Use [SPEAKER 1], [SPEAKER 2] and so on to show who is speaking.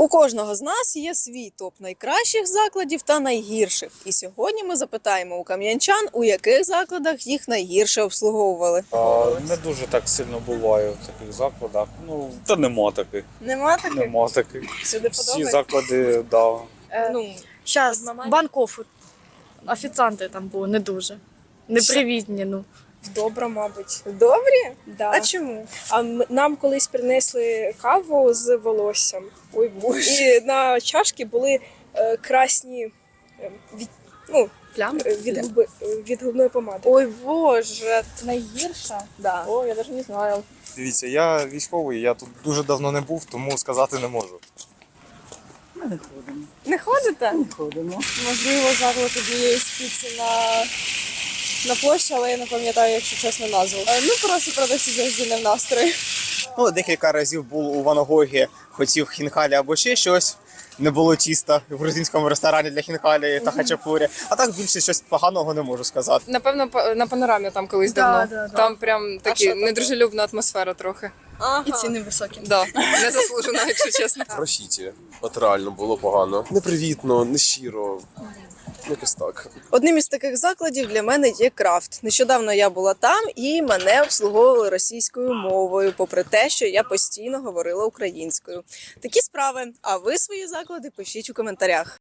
[SPEAKER 1] У кожного з нас є свій топ найкращих закладів та найгірших. І сьогодні ми запитаємо у кам'янчан, у яких закладах їх найгірше обслуговували.
[SPEAKER 2] Не дуже так сильно буває в таких закладах. Та нема таких.
[SPEAKER 1] Нема таких?
[SPEAKER 2] Нема таких.
[SPEAKER 1] Сюди
[SPEAKER 2] Всі
[SPEAKER 1] подобається?
[SPEAKER 2] заклади, да.
[SPEAKER 3] Зараз банков, офіціанти там були не дуже. Непривітні,
[SPEAKER 4] Добре, мабуть.
[SPEAKER 1] Добрі?
[SPEAKER 4] Да.
[SPEAKER 1] А чому?
[SPEAKER 4] Нам колись принесли каву з волоссям.
[SPEAKER 1] Ой, боже.
[SPEAKER 4] І на чашки були красні
[SPEAKER 3] Плями.
[SPEAKER 4] від губної помади.
[SPEAKER 1] Ой, боже.
[SPEAKER 3] Найгірша?
[SPEAKER 1] Да.
[SPEAKER 3] О, я навіть не знаю.
[SPEAKER 5] Дивіться, я військовий, я тут дуже давно не був, тому сказати не можу.
[SPEAKER 1] Не ходите?
[SPEAKER 3] Можливо, заклад однієї спіці на площі, але я не пам'ятаю, якщо чесно, назву. Просто продавці завжди не в настрої.
[SPEAKER 5] Декілька разів був у Ван-Гогі, хотів хінкалі або ще щось. Не було тіста в грузинському ресторані для хінкалі та хачапурі. А так більше щось поганого не можу сказати.
[SPEAKER 6] Напевно, на панорамі там колись давно. Там прям такі недружелюбна атмосфера трохи.
[SPEAKER 1] Ага.
[SPEAKER 3] І ціни високі.
[SPEAKER 6] Да, не заслужено, якщо чесно.
[SPEAKER 7] Рахіті. От реально було погано. Непривітно, нещиро. Якось так.
[SPEAKER 1] Одним із таких закладів для мене є Крафт. Нещодавно я була там і мене обслуговували російською мовою, попри те, що я постійно говорила українською. Такі справи. А ви свої заклади пишіть у коментарях.